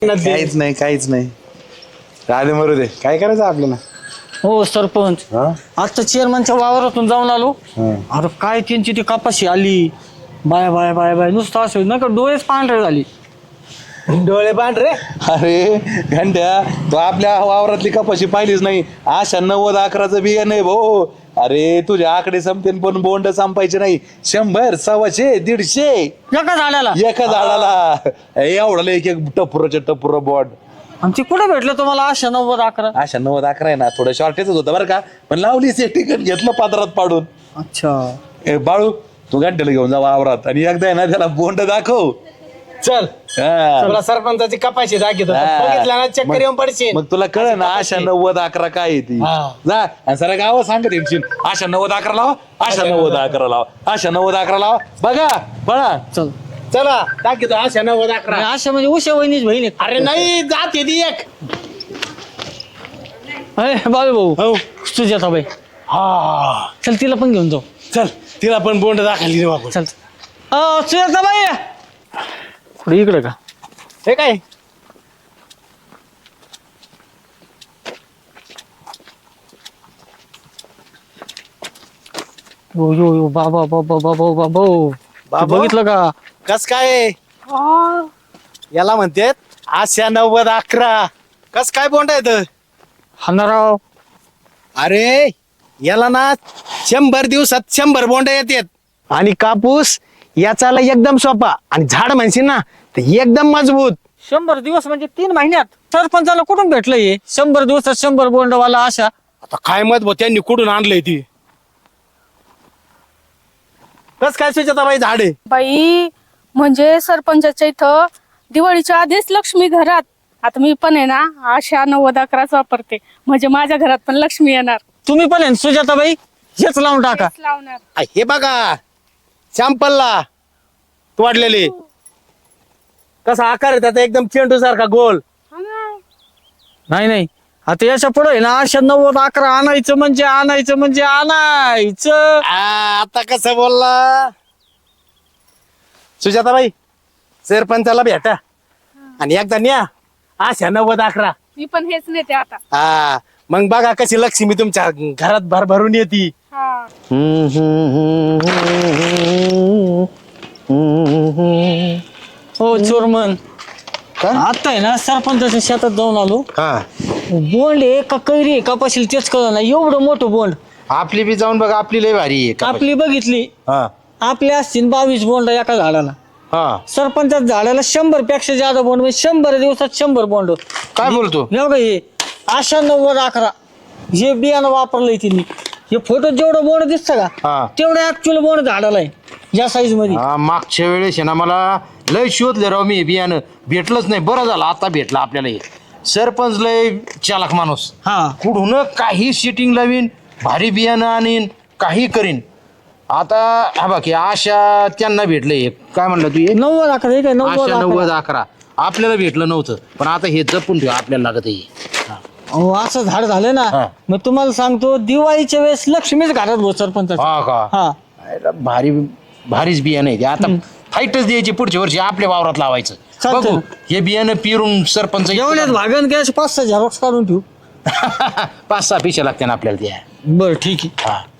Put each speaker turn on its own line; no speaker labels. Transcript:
काहीच नाही काहीच नाही. राधे मरू दे, काय करायचं आपल्याला.
हो सरपंच, आता चेअरमनच्या वावरातून जाऊन आलो. अरे काय त्यांची ती कपाशी आली, बाय बाय बाय बाय नुसतं असं ना का डोळेच पांढरे झाली.
डोळे पांढरे.
अरे घंट्या, तू आपल्या वावरातली कपाशी पाहिलीच नाही. अशा 90-11चं बिया नाही भाऊ. अरे तुझे आकडे संपते पण बोंड संपायचे नाही. 100, 125, 150
एका झाडाला.
एका झाडाला. एवढं एक एक टपुर बोंड.
आणि ती कुठे भेटलं तुम्हाला अशा 90-11?
अशा 90-11 आहे ना, थोडं शॉर्टेजच होतं बरं का, पण लावली सेफ्टी घेतलं पात्रात पाडून.
अच्छा
बाळू, तू घंट्याला घेऊन जा वावरात आणि एकदा आहे ना त्याला बोंड दाखव.
चल
हा.
तुला सरपंचाची कपाशी दाखवतो. बघितला ना चक्कर येऊन पडशील.
मग तुला कळ ना अशा 90-11 काय आहे ती. जा आणि सर गाव सांगत येशील अशा 90-11 लावा, अशा 90-11 लावा, अशा 90-11 लावा. बघा पळा.
चल.
चला दाखवतो अशा 90-11.
अशा म्हणजे उशा वहिनीच बहीण आहे.
अरे नाही, जाते ती एक.
अरे बाबू भाऊ,
हो
सुजाता बाई,
हा
चल तिला पण घेऊन जाऊ.
चल तिला पण बोंड दाखवली रे बाबा.
चल सुजाता बाई, कुठे इकडे का?
हे काय
यो यो यो बाबा बाबा बाबा बाबा
बाबा?
बघितलं का?
कस काय याला म्हणतात अशा 90-11. कस काय बोंड येत?
हाणाराव.
अरे याला ना 100 दिवसात 100 बोंड येतात. आणि कापूस याचाला एकदम सोपा, आणि झाड म्हणशील ना तर एकदम मजबूत.
100 दिवस म्हणजे 3 महिन्यात. सरपंचाला कुठून भेटलं हे 100 दिवसात 100 बोंडवाला आशा?
आता काय मत भाऊ, त्यांनी कुठून आणलंय ती? कस काय सुजाताबाई झाड आहे?
बाई म्हणजे सरपंचाच्या इथं दिवाळीच्या आधीच लक्ष्मी घरात. आता मी पण आहे ना अशा 90-11 वापरते, म्हणजे माझ्या घरात पण लक्ष्मी येणार.
तुम्ही पण आहे ना सुजाताबाई, हेच लावून टाका.
तेच लावणार.
हे बघा सॅम्पलला तोडलेले. कसा आकार आहे त्याचा, एकदम चेंडू सारखा गोल.
हा ना.
नाही नाही, आता याच्या पुढे आहे ना अशा 90-11 आणायचं म्हणजे आणायचं.
आता कसं बोलला सुजाताबाई? सरपंचाला भेटा आणि एकदा न्या अशा 90-11.
मी पण हेच नेते आता.
हा मग बघा कशी लक्ष्मी तुमच्या घरात भरभरून येते.
हा.
हो चोरमन, आता आहे ना सरपंचाच्या शेतात जाऊन आलो.
हा,
बोंड आहे का कैरी आहे का पाशील तेच कळलं नाही. एवढं मोठं बोंड.
आपली बी जाऊन बघा, आपली लय भारी आहे कपाशी.
आपली बघितली,
हा
आपल्या असतील 22 बोंड एका झाडाला.
हा,
सरपंचाच्या झाडाला 100 पेक्षा जादा बोंड, म्हणजे 100 दिवसात 100 बोंड.
काय बोलतो?
एवढं हे अशा 90-11 जे बियाणं वापरलंय तिने. हे फोटो जेवढं बोंड दिसतं
हा.
का तेवढं ऍक्च्युअल बोंड झाडाला आहे या साईज मध्ये.
हा, मागच्या वेळेस आहे ना मला लय शोधले राव मी, बियाणं भेटलंच नाही. बरं झालं आता भेटलं आपल्याला हे. सरपंच लय चालाक माणूस.
हा
कुठून काही सिटिंग लावीन, भारी बियाणं आणीन, काही करीन. आता हा बाकी आशा त्यांना भेटलंय. काय म्हणलं तू हे?
90-11 हे काय
आशा
90-11.
90-11 आपल्याला भेटलं नव्हतं, पण आता हे जपून ठेव, आपल्याला लागत आहे.
अहो, असं झाड झालं ना.
हा.
मग तुम्हाला सांगतो दिवाळीच्या वेळेस लक्ष्मीच घालत भाऊ सरपंच.
हा का?
हा
अरे भारीच बियाणं आहे ते. आता फाईटच द्यायची पुढच्या वर्षी आपल्या वावरात लावायचं.
चालतंय.
बघू हे बियाणं पिरून सरपंच
जेवण्यात भागन कॅश 5-6 झेरॉक्स काढून ठेवू.
5-6 पिशा लागते ना आपल्याला त्या.
बरं ठीक आहे.
हा